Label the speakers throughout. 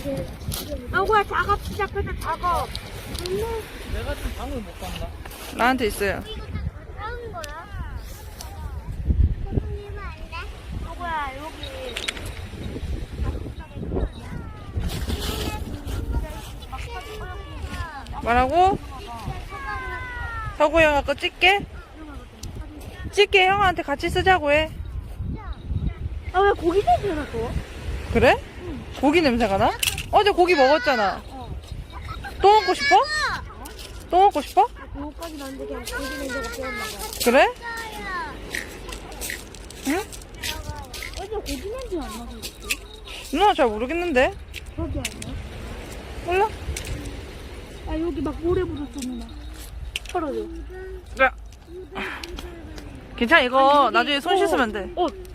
Speaker 1: 아구야 작업 시작해서 작업.
Speaker 2: 내가 좀 방을 못 간다.
Speaker 3: 나한테 있어요.
Speaker 1: 이거 다 가까운 거야? 손님은 안 돼? 아구야 여기.
Speaker 3: 뭐라고? 서구 형아 거 찍게? 찍게 형한테 같이 쓰자고 해.
Speaker 1: 아 왜 고기 냄새 나서?
Speaker 3: 그래? 고기 냄새가 나? 어제 고기 먹었잖아. 또 먹고 싶어? 또 먹고 싶어?
Speaker 1: 그거까지 나는데 그냥 고기 냄새가 배웠나 봐.
Speaker 3: 그래? 응?
Speaker 1: 어제 고기 냄새 안 나서 그랬지?
Speaker 3: 누나 잘 모르겠는데.
Speaker 1: 거기 아니야?
Speaker 3: 몰라?
Speaker 1: 아 여기 막 모래 묻었어 누나. 털어줘.
Speaker 3: 야. 괜찮아 이거 나중에 손 씻으면 돼.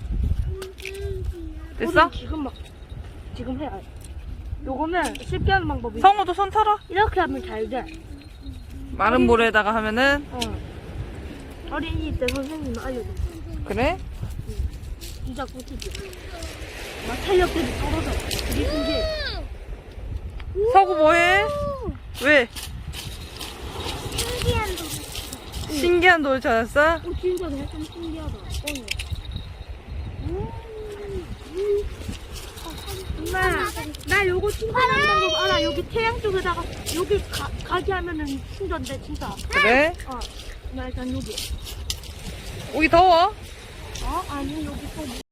Speaker 3: 됐어?
Speaker 1: 지금 해야 해. 요거는 쉽게 하는 방법이
Speaker 3: 성우도 손 털어.
Speaker 1: 이렇게 하면 잘 돼.
Speaker 3: 마른 모래에다가 하면은
Speaker 1: 어린이 때 선생님은 알려줘.
Speaker 3: 그래?
Speaker 1: 진짜 꿀팁이야. 막 탄력들이 떨어져. 그게 신기해.
Speaker 3: 서구 뭐해? 왜?
Speaker 1: 신기한 도.
Speaker 3: 신기한 돌 찾았어?
Speaker 1: 진짜 내가 좀 신기하다. 엄마, 나 요거 충전하는 방법 알아. 여기 태양 쪽에다가 여기 가게 하면은 충전돼 진짜.
Speaker 3: 그래?
Speaker 1: 나 일단 여기.
Speaker 3: 여기 더워?
Speaker 1: 아니 여기 또